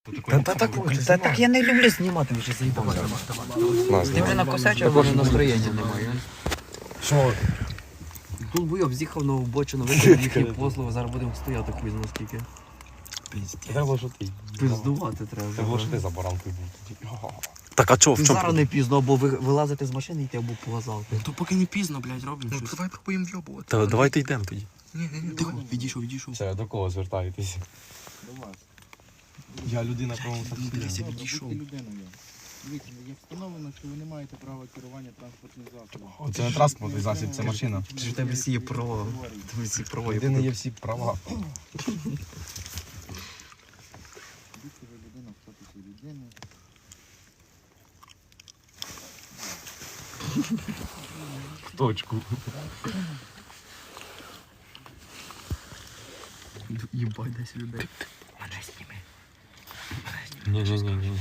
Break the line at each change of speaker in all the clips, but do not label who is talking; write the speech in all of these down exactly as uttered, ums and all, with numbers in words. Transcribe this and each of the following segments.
Та, та, так, та, так я не люблю знімати, вже заїбав.
Ти вже накосячив, а вже настроєння немає.
Що?
Тут буйоб з'їхав на обочину, виконав їхні послуги, зараз будемо стояти хуй зна скільки.
Треба, що ти.
Пиздувати треба.
Треба, що ти за баранкою був.
Так, а чого, в
Зараз
чому?
не пізно, або ви вилазити з машини і йти, або по газалки.
То поки не пізно, блядь, робимо
Ну,
щось.
давай пробуємо в'єбувати. Та давайте йдемо тоді.
Ні, ні, ні, тихо, відійшов, відійшов.
Все, до кого звертаєтесь?
До вас.
Я людина правому
Ну, дивися,
саксі.
відійшов.
Будьте людиною. Дивіться, є встановлено, що ви не маєте права керування транспортним засобом.
Це не транспортний засіб, це машина.
Чи ж в тебе всі є права? В тебе всі права.
Людини є всі права.
Будьте ви людина в статусі людини.
В точку.
Їбать десь людей.
Ні-ні-ні.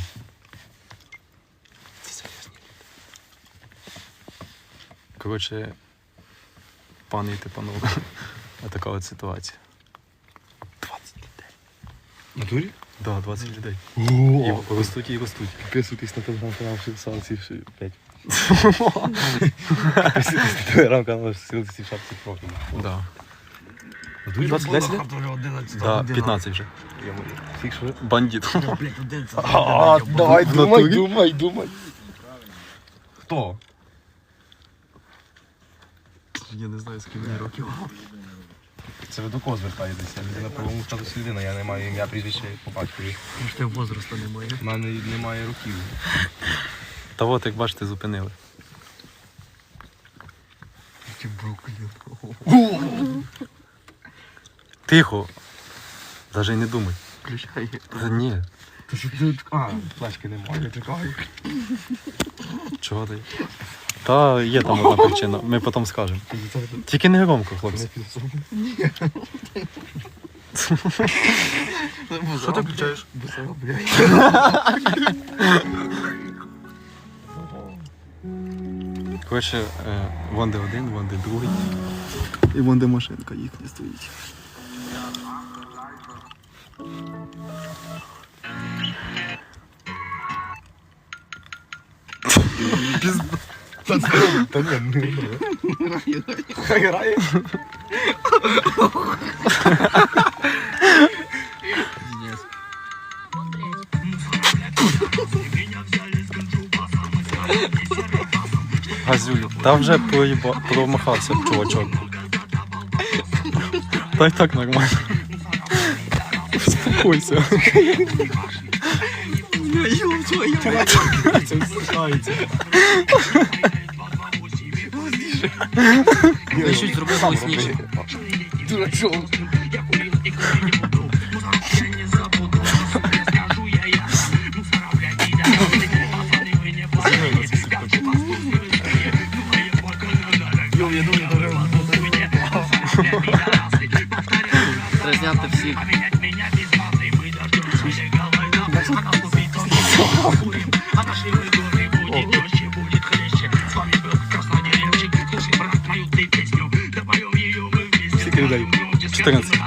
Коротше, пани і панове, така от ситуація. двадцять людей.
В натурі?
Так, да, двадцять людей.
О,
І ростуть і ростуть.
підписуйтесь на телеграм-канал Шапці п'ять. Підписуйтесь на телеграм-канал Шапці профіль.
Да.
двадцять десять?
Да, п'ятнадцять вже.
Фік що?
Бандит.
Блять, один це.
А, давай,
В
думай,
натурі?
думай, думай. Хто?
Я не знаю, з ким мені років.
Це ви до кого звертаєтеся? Я на правому статусі людина, я не маю ім'я, прізвище по батькові.
Ж ти возрасту немає.
У мене немає років.
Та от, як бачите, зупинили.
Ті бруклін.
Тихо. Даже й не думай.
Включай.
Та ні.
Ти що ти? А, флешки немає, чекаю.
Чого ти? Та є там одна причина, ми потім скажемо. Тільки не громко, хлопці.
Що ти включаєш?
Коротше, е, вон де один, вон де другий. І вон де машинка їхня стоїть.
Та ні, не Хай грає.
Газюлю. Та вже проїба... промахався чувачок. Та й так нормально. Успокойся.
Це висихається.
Я щось зробив голосніше.
Дурачок.
Треба зняти всіх.
Скільки людей? чотирнадцять.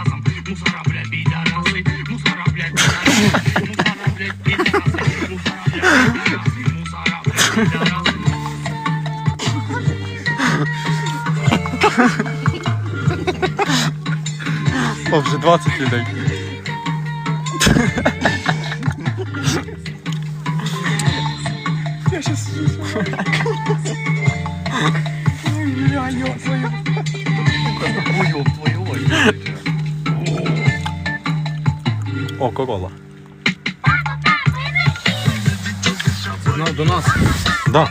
О, вже двадцять людей.
Я щас
Уйоб твою ой.
О, Корола.
До нас.
Да.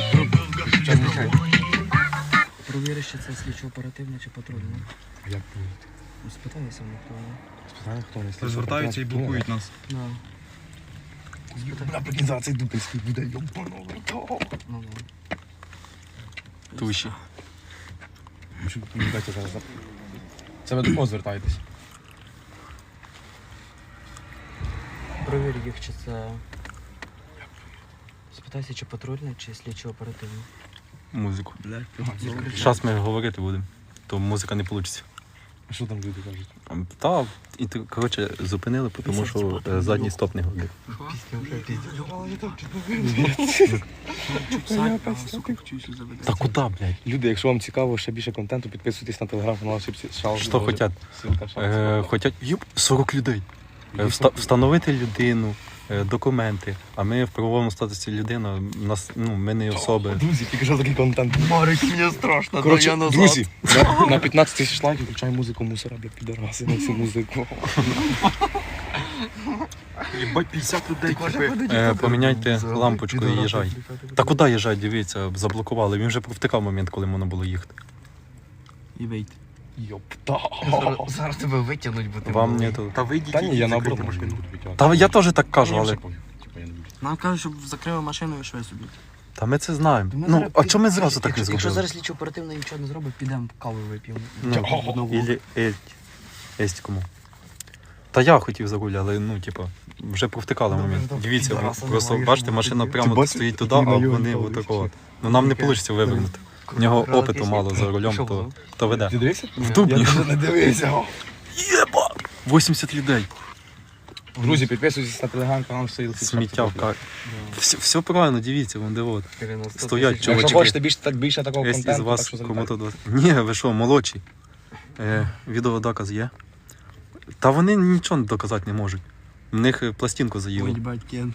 Провіри, чи це слідчо оперативне чи патрульне.
А як буде?
Ну, спитайся, ну, хто воно.
Спитаю, хто не слухає.
Звертаються і блокують нас.
Ну,
Наприкінці зараз цей дупельський буде йобаного.
ну, ну.
Туші.
Щоб не дати зараз. Це ви до кого звертаєтесь?
Провір їх, чи це... Спитайся, чи патрульне, чи слідчо оперативне.
Музику.
Блядь,
Зараз ми говорити будемо, то музика не вийде.
А що там люди кажуть?
Та, і ти, коротше, зупинили, тому що е, задній стоп не годив. Та куди, блядь?
Люди, якщо вам цікаво ще більше контенту, підписуйтесь на телеграм-канал Шал.
Що хотять? Е, хотять, юп, сорок людей. Е, вста- встановити людину, е, документи, а ми в правовому статусі людина, нас, ну, ми не особи.
Друзі, тільки що такий контент.
Марик, мені страшно,
Коротше, друзі, на, на п'ятнадцять тисяч лайків включай музику мусора, бля, підараси на цю музику.
Єбать, п'ятдесят людей.
Е, поміняйте лампочку і їжджай. Та куди їжджай, дивіться, заблокували. Він вже провтикав момент, коли можна було їхати.
І вийти.
Йопта.
Зараз, зараз тебе витягнуть, бо ти
Вам
малий.
не то.
Та вийдіть.
Та ні, я наоборот
закрийте
машину
машину.
буду підтягувати.
Та я теж так кажу,
Мені
але.
вже пофіг. Типа, я не буду.
Нам кажуть, щоб закрили машину і швидше собі.
Та ми це знаємо.
Ми
Ну,
зараз
а
пі-
чому ми зразу так не
якщо, якщо
зробили?
зараз слідчо оперативно нічого не зробить, підемо каву вип'ємо.
Ну, ілі ельть. Есть кому. Та я хотів за руль, але ну, типа, вже провтикали момент. Дивіться,
підараса
просто
немає,
бачите,
що
машина
робити.
прямо
Ти бачиш,
стоїть туди,
який
а
найомний
вони
чоловік,
отакого.
чи?
Ну нам не
Яке?
вийде вивернути. У нього
Крала
опиту
пісня.
мало за рулем,
Що
то,
було?
то веде.
Ти дивився?
В Дубні.
Я не дивився.
Єба! вісімдесят людей.
Друзі, підписуйтесь на телеграм-канал Шал.
Сміття в кар. Все, все правильно, дивіться, вон де от.
дев'яносто
Стоять
тисяч.
чувачки.
Якщо хочете більше, так, більше такого
Є із
контенту, так
вас
що
кому
залітайте.
то двадцять. Ні, ви що, молодші. Е, відеодоказ є. Та вони нічого доказати не можуть. В них е, пластинку
Ой,
заїли.
їбать, Кент.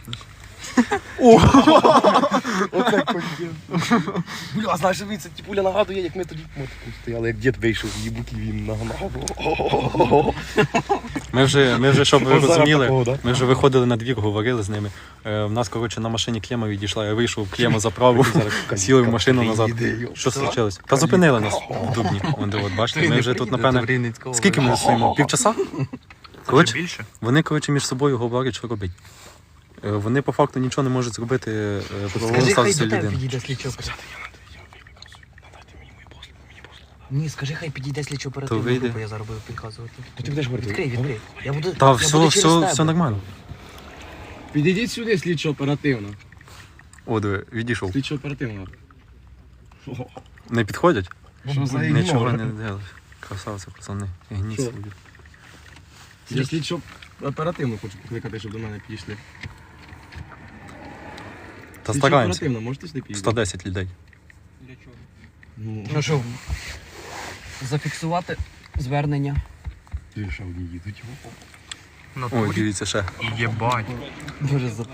Оце контент. Бля, а знаєш, це типуля нагадує, як ми тоді в мотику стояли, як дід вийшов з їбуки, він нагнав.
Ми вже, ми вже, щоб ви
Ось зараз
розуміли,
такого, да?
ми вже виходили на двір, говорили з ними. Е, в нас, коротше, на машині клема відійшла, я вийшов, клема заправив, сіли в машину назад. Що случилось? Та зупинили нас в Дубні. Вон де от, бачите, ми вже тут, напевне, скільки ми стоїмо? Півчаса? Коротше, вони, коротше, між собою говорять, що робити. Е, Вони по факту нічого не можуть зробити е, по правовому
Скажи, хай
статусі
до тебе
людини.
підійде слідчо оперативно. Ні, скажи, хай підійде слідчо оперативно
То вийде.
група, я зараз буду підказувати.
То ти будеш говорити?
Відкрий, відкрий. Я буду,
Та
я
все,
буду через
все,
тебе.
все нормально.
Підійдіть сюди, слідчо оперативно.
О, диви, відійшов.
Слідчо оперативно.
Не підходять?
Що за
Нічого
ігнор?
не делають. Красавці, пацани. Гніт
Що?
собі.
Я слідчо оперативно хочу покликати, щоб до мене підійшли.
Та
Слідчо
стараємося.
оперативно, можете сюди підійти?
сто десять людей.
Ну,
Ну що, зафіксувати звернення.
Ти ще одні їдуть.
Ой, дивіться ще.
Єбать.
Дуже за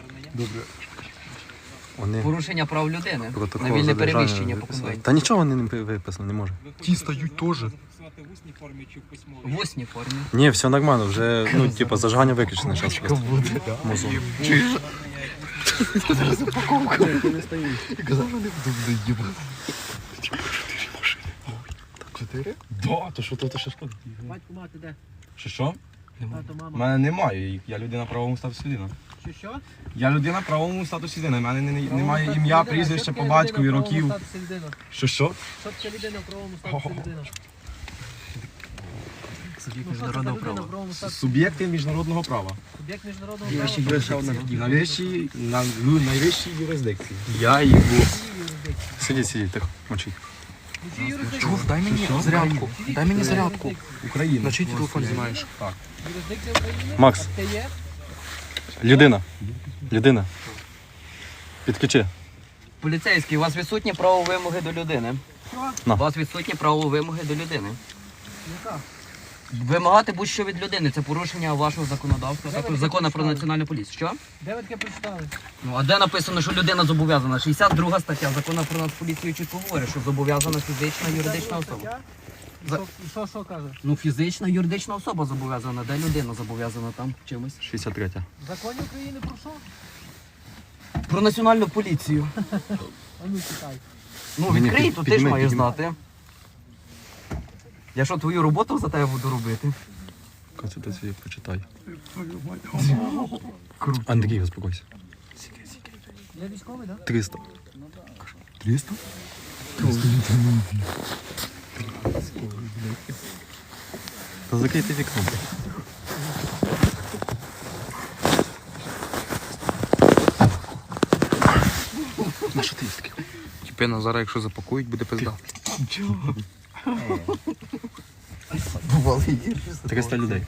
Вони
порушення прав людини.
протокол
На вільне
задержання
переміщення по
виписали.
конвенції.
Та нічого вони не виписали, не може.
Ті стають теж.
В усній формі.
Ні, все нормально, вже, ну, типу, зажигання виключене зараз. просто. Музон.
Чотири? Да, то що то, то що шкода.
Батько, мати де?
Що що?
Тато,
У
мама.
мене немає їх, я людина в правовому статусі людина.
Що, що?
Я людина в правовому статусі людина, в мене не- не- немає ім'я, прізвища по батькові, років. Що що?
Що таке людина в правовому статусі людина?
Суб'єкт
Ну, що це за
міжнародного
людина в
права.
правовому статусі?
Суб'єкти міжнародного права.
Суб'єкт міжнародного
Я
права?
ще є ще одна.
Найвищій, на, лю- найвищій юрисдикції.
Я їбу. Сидіть, сидіть, тихо, мовчіть.
Чув, дай мені зарядку. Дай мені зарядку.
Україна.
На чий ти телефон знімаєш?
Юрисдикція України?
Макс,
Це є?
людина. Людина. Підключи.
Поліцейський, у вас відсутні право вимоги до людини.
На.
У вас відсутні право вимоги до людини. Вимагати будь-що від людини це порушення вашого законодавства, також закону про національну поліцію. Що?
Де ви таке прочитали?
Ну а де написано, що людина зобов'язана? шістдесят друга стаття закону про нацполіцію чітко говорить, що зобов'язана фізична юридична особа. За-
Що- Що, що каже?
Ну фізична юридична особа зобов'язана, де людина зобов'язана там чимось.
шістдесят третя.
В законі України про що?
Про національну поліцію.
А ну читай.
Ну
Ні, ні,
відкрий,
під-
то ти ж
підніми,
маєш
підніми.
знати. Я що, твою роботу за тебе буду робити?
Конституцію почитай. Андрій, успокойся.
Я військовий, так?
триста.
триста?
Та закрийте вікно. На що ти є такий?
Тіпина зараз, якщо запакують, буде пизда.
Бувало гірше.
триста людей.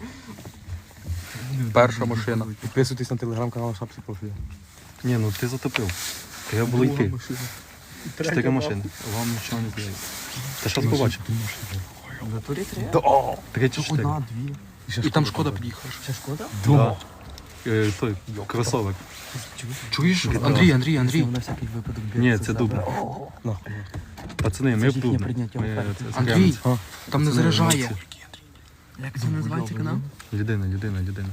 Перша машина.
Підписуйтесь на телеграм-канал Шапці Профілі.
Ні, ну ти затопив. Треба було йти.
машина.
Чотири машини. Вам нічого не здається. Та зараз побачив.
В натурі три?
Три чи чотири.
Одна, дві.
І там Шкода під'їхала.
Ще шкода?
Да. Е, Той, кросовик.
Чуєш? Андрій, Андрій, Андрій.
На всякий випадок.
Ні, це дуб. Пацани, ми в
їхнє
Дубно.
прийняття
Ми,
оферти.
це,
Андрій,
закриваємося.
там не
Пацани,
заряджає.
молодці.
Як це називається канал?
Людина, людина, людина.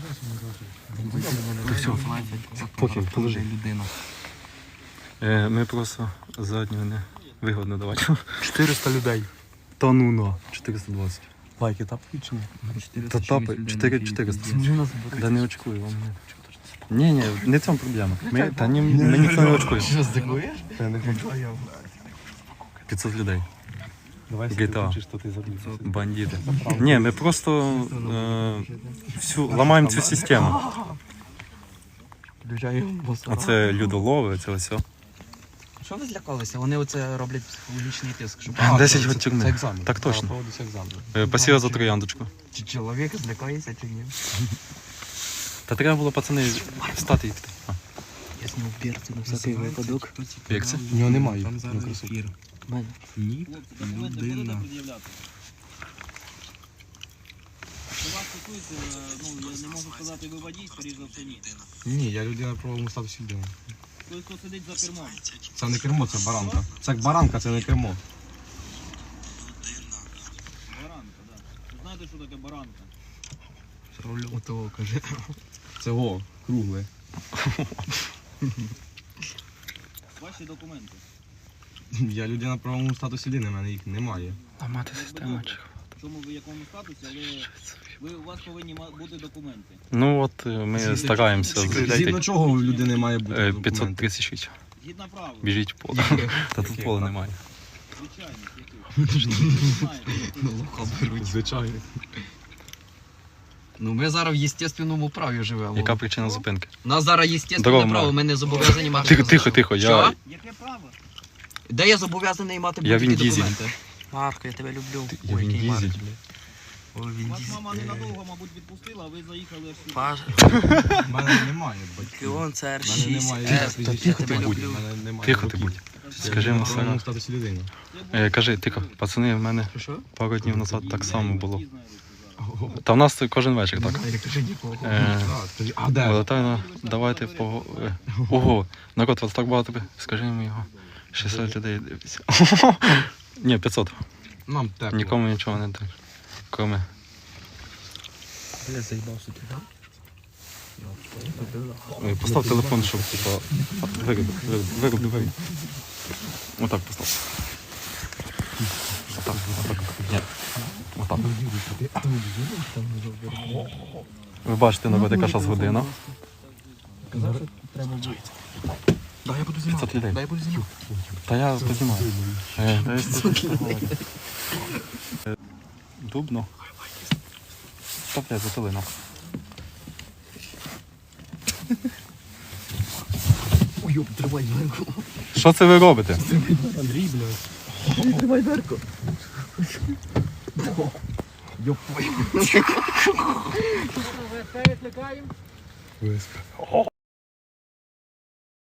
Поки,
положи.
людина.
Е, Ми просто заднього не вигодно давати.
чотириста людей.
Та ну на, чотириста двадцять.
Лайки тап включені.
Та тапи, чотири чотириста. Да не очкую, вам не. Ні, ні, не в цьому проблема. Ми, та ні, ми ніхто не очкує.
Що, здивуєш?
Я не хочу.
п'ятсот людей.
Давай
джі ті ей.
включиш, що ти забив.
Бандити. Ні, ми просто е, всю, ламаємо цю систему. А це людолови, це все.
Що ви злякалися? Вони оце роблять психологічний тиск, щоб
десять год тюрми.
Це екзамен.
Так точно.
Проводиться екзамен.
Е, Спасибо за трояндочку.
чи чоловік злякається, чи ні.
Та треба було, пацани, встати і піти. А,
Я зняв бірцю на всякий випадок.
як це?
У нього немає.
Там зараз ефір.
Ні, людина.
Що вас стосується, ну, я не можу сказати, ви водій, скоріш за все, ні.
Ні, я людина в правовому статусі людини.
Той, хто сидить за кермом.
Це не кермо, це баранка. Це як баранка, це не кермо.
Баранка, так. Ви знаєте, що таке баранка?
Рулю того, каже.
Це о, кругле.
Ваші документи.
Я людина в правовому статусі людини, в мене їх немає.
Ламати систему.
В чому ви в якому статусі, але ви, у вас повинні ма- бути документи.
Ну от е, ми стараємося
Згідно
знайти.
чого у людини має бути
Е,
документи?
п'ятсот тридцять шість.
Згідно правил.
Біжіть в поле. Та тут пола немає.
Звичайно, яких. Ви знаєте.
Звичайно.
Ну ми зараз в естественному праві живемо.
Яка причина зупинки?
У нас зараз естественне
Здорово,
право,
Марк.
ми не зобов'язані мати.
Тихо, тихо, тихо.
Що?
Я,
Яке право?
Де я зобов'язаний мати
Я
будь-які
Він Дізель.
документи? Марко, я тебе люблю.
я він їздить.
Ой, він
Вас
Дізель.
мама ненадовго, мабуть, відпустила, а ви заїхали аж сюди.
Паш,
У мене немає батьків.
Кіон, це ар
У мене
шість.
немає
Е,
прізвища.
я тебе
ти будь.
У
люблю.
мене немає
Тихо ти
батьків.
будь. Скажи йому
В правовому
все.
статусі людини.
Е, Кажи, тихо, пацани, в мене
Що?
пару днів назад так само було.
Не знаю, зараз.
Та в нас кожен вечір так. Е,
А, тоді- А де?
Валентайна, давайте по... е, Ого, народ, вас так багато. Скажи йому його. шістсот людей дивиться. Ні, п'ятсот.
Нам тепло.
Нікому нічого не так. Кроме.
Я заїбався туди.
Е, Постав телефон, щоб типа. Вироби, вироби, вироби, вироби. Отак постав. Отак, отак. Ні. Отак. Ви бачите, народ, яка зараз година.
Да, я буду
п'ятсот
знімати.
людей.
Да, я буду знімати.
Та я познімаю. Е, та я тут поговорю. Е, Дубно. Та блядь, затили нахуй.
Ой, йоп, тримай дверку.
Що це ви робите?
Андрій, блядь.
Тримай дверку.
ВСП.